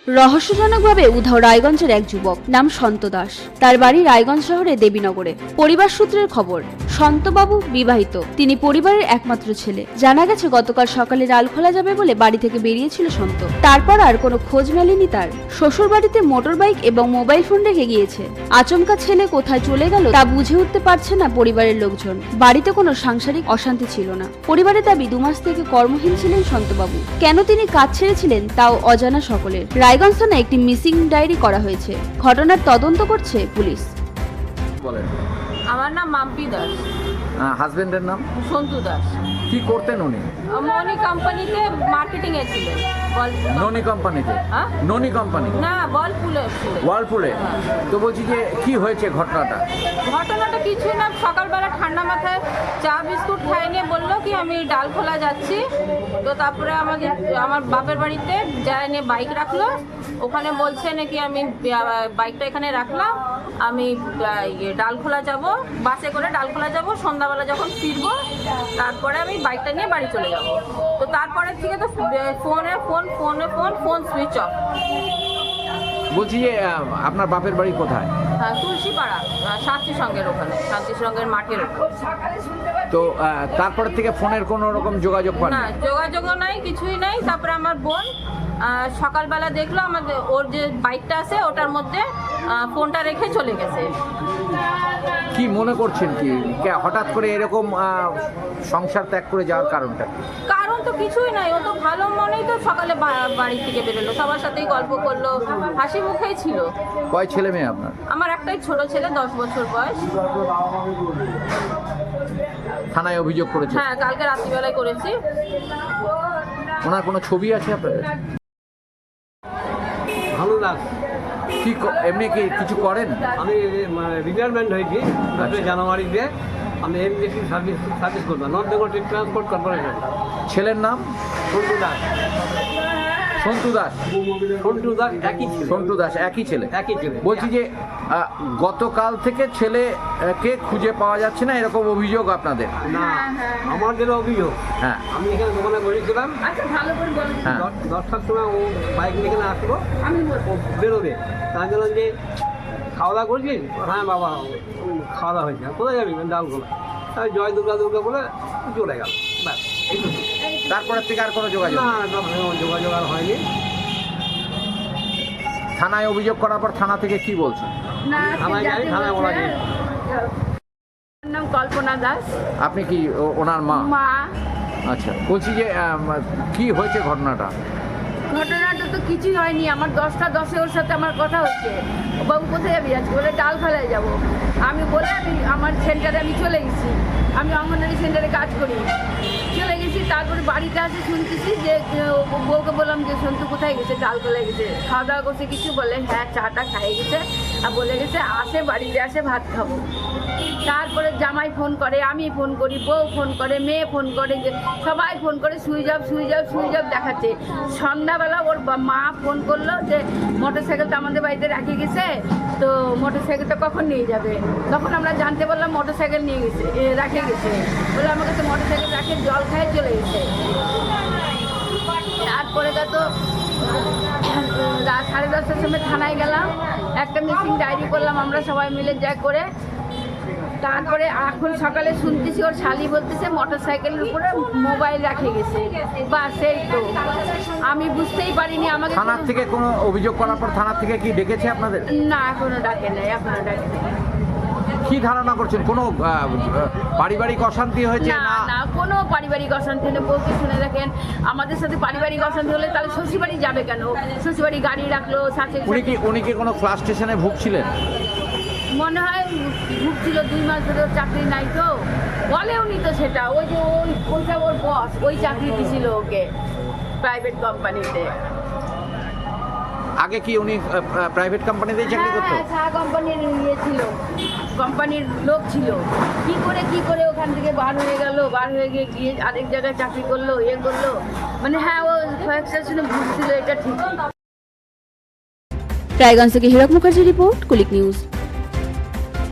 রহস্যজনকভাবে উধাও রায়গঞ্জের এক যুবক, নাম সন্ত দাস। তার বাড়ি রায়গঞ্জ শহরে দেবীনগরে। পরিবার সূত্রের খবর, সন্তবাবু বিবাহিত, তিনি পরিবারের একমাত্র ছেলে। জানা গেছে গতকাল সকালে ডাল খোলা যাবে বলে বাড়ি থেকে বেরিয়েছিল সন্ত। তারপর আর কোনো খোঁজ মেলেনি তার। শ্বশুর বাড়িতে মোটর বাইক এবং মোবাইল ফোন রেখে গিয়েছে। আচমকা ছেলে কোথায় চলে গেল তা বুঝে উঠতে পারছে না পরিবারের লোকজন। বাড়িতে কোনো সাংসারিক অশান্তি ছিল না। পরিবারের দাবি 2 মাস থেকে কর্মহীন ছিলেন সন্তবাবু। কেন তিনি কাজ ছেড়েছিলেন তাও অজানা সকলের। রায়গঞ্জ থানায় একটি মিসিং ডায়েরি করা হয়েছে। ঘটনার তদন্ত করছে পুলিশ। বলেন। আমার নাম মাম্পি দাস। হাজবেন্ডের নাম সন্তু দাস। কি করতেন উনি? মনি কোম্পানিতে মার্কেটিং এ ছিলেন। ননি কোম্পানিতে? হ্যাঁ? ননি কোম্পানি না, বলপুলে ছিলেন। ওয়ালপুলে। তো বলছি যে কি হয়েছে ঘটনাটা? ঘটনাটা কিছুই না, সকালবেলা ঠান্ডা মাথায় চা বিস্কুট খাই নিয়ে বললো কি আমি ডাল খোলা যাচ্ছি। তো তারপরে আমার বাপের বাড়িতে যায় নিয়ে বাইক রাখলো। ওখানে বলছে নাকি আমি বাইকটা এখানে রাখলাম, আমি ডাল খোলা যাব, বাসে করে ডাল খোলা যাব, সন্ধ্যাবেলা যখন ফিরবো তারপরে আমি বাইকটা নিয়ে বাড়ি চলে যাব। তো তারপরে থেকে তো ফোন সুইচ অফ। বলছি যে আপনার বাপের বাড়ি কোথায়? হ্যাঁ, তুলসীপাড়া, শান্তি সঙ্গের ওখানে, শান্তি সঙ্গের মাঠের ওপর। তো তারপর থেকে ফোনের কোনো রকম যোগাযোগ পান না, যোগাযোগও নাই, কিছুই নাই। তারপরে আমার বোন সকালবেলা দেখলো আমাদের ওর যে বাইকটা আছে ওটার মধ্যে ফোনটা রেখে চলে গেছে। কি মনে করছেন কি হঠাৎ করে এরকম সংসার ত্যাগ করে যাওয়ার কারণটা? কারণ তো কিছুই নাই, ও তো ভালো মনেই তো সকালে বাড়ি থেকে বেরোলো, সবার সাথেই গল্প করলো, হাসি মুখেই ছিল। কয় ছেলে মেয়ে আপনার? আমার একটাই ছোট ছেলে, 10 বছর বয়স। থানায় অভিযোগ করেছে? হ্যাঁ, কালকে রাত্রিবেলায় করেছি। ওনার কোনো ছবি আছে আপনাদের? ভালো লাগ। কি এমনি কি কিছু করেন? আমি রিটায়ারমেন্ট হয়েছি 10 জানুয়ারিতে। আমি এমবিসি সার্ভিস করতাম, নর্থ বেঙ্গল ট্রান্সপোর্ট কর্পোরেশন। ছেলের নাম? সন্তু দাস। সন্তু দাস। সন্তু দাস একই ছিল। সন্তু দাস একই ছেলে? একই ছেলে। বলছি যে গতকাল থেকে ছেলেকে খুঁজে পাওয়া যাচ্ছে না, এরকম অভিযোগ আপনাদের? না, আমার যেটা অভিযোগ, হ্যাঁ, আমি এখানে দোকানে বসেছিলাম। হ্যাঁ, 10টার সময় ও বাইক নিয়ে এখানে আসবো, ও বেরোবে। তার জন্য যে খাওয়া দাওয়া করছিস? হ্যাঁ বাবা, খাওয়া দাওয়া হয়েছে। কোথায় যাবি? ডালগোলা। তাই জয় দুর্গা দুর্গা বলে চলে গেল। ব্যাস, এইটুকু। তারপরের থেকে আর কোনো যোগাযোগ? না, যোগাযোগ আর হয়নি। থানায় অভিযোগ করার পর থানা থেকে কি বলছে? থানায় যাই, থানায় বলা যায়। নাম কল্পনা দাস। আপনি কি ওনার মা? মা। আচ্ছা, বলছি যে কি হয়েছে ঘটনাটা? ঘটনাটা তো কিছুই হয়নি। আমার 10টা 10-এ ওর সাথে আমার কথা হচ্ছে, বাবু কোথায় যাবি আজকে? বলে ডাল খোলায় যাবো। আমি বলে আমার সেন্টারে আমি চলে গেছি। আমি অঙ্গনওয়াড়ি সেন্টারে কাজ করি, চলে গেছি। তারপরে বাড়িতে আসে শুনতেছি যে বউকে বললাম যে সন্তু কোথায় গেছে? ডাল খোলায় গেছে। খাওয়া দাওয়া করছে কিছু? বলে হ্যাঁ, চাটা খাইয়ে গেছে আর বলে গেছে আসে বাড়িতে আসে ভাত খাবো। তারপরে জামাই ফোন করে, আমি ফোন করি, বউ ফোন করে, মেয়ে ফোন করে, সবাই ফোন করে, সুইচ অফ দেখাচ্ছে। সন্ধ্যাবেলা ওর মা ফোন করলো যে মোটর সাইকেলটা আমাদের বাড়িতে রেখে গেছে, তো মোটর সাইকেলটা কখন নিয়ে যাবে? তখন আমরা জানতে পারলাম মোটর সাইকেল নিয়ে গেছে, রেখে গেছে। বলে আমার কাছে মোটর সাইকেল রাখে জল খায় চলে গেছে। তারপরে তো 10:30টার সময় থানায় গেলাম, একটা মিসিং ডায়েরি করলাম আমরা সবাই মিলে যা করে। তারপরে এখন সকালে শুনতেছি ওর শালি বলতেছে মোটর সাইকেলের উপরে মোবাইল রেখে গেছে। বা সেই তো আমি বুঝতেই পারিনি। আমাকে থানার থেকে কোনো অভিযোগ করার পর থানার থেকে কি ডেকেছে আপনাদের? না, এখনো ডাকে নাই, কি ধারণা করছেন? কোনো পারিবারিক অশান্তি হয়েছে? না না, কোনো পারিবারিক অশান্তি নেই। বলতে শুনে দেখেন, আমাদের সাথে পারিবারিক অশান্তি হলে তাহলে শ্বশুরবাড়ি যাবে কেন? শ্বশুরবাড়ি গাড়ি রাখলো। উনি কি কোনো ক্লাস স্টেশনে ভুগছিলেন? মনে হয় ভুগছিল। 2 মাস ধরে চাকরি নাই তো বলে উনি তো সেটা। ওই যে ওইটা ওর বস ওই চাকরি দিয়েছিল ওকে প্রাইভেট কোম্পানিতে। আগে কি উনি প্রাইভেট কোম্পানিতেই চাকরি করতো? হ্যাঁ, চা কোম্পানির ছিল, কোম্পানির লোক ছিল। কি করে ওখান থেকে বার হয়ে গিয়ে আরেক জায়গায় চাকরি করলো, করলো। মানে হ্যাঁ, ও কয়েকটা শুনে ভুগছিল, এটা ঠিক। রায়গঞ্জ থেকে হীরক মুখার্জি রিপোর্ট, কুলিক নিউজ।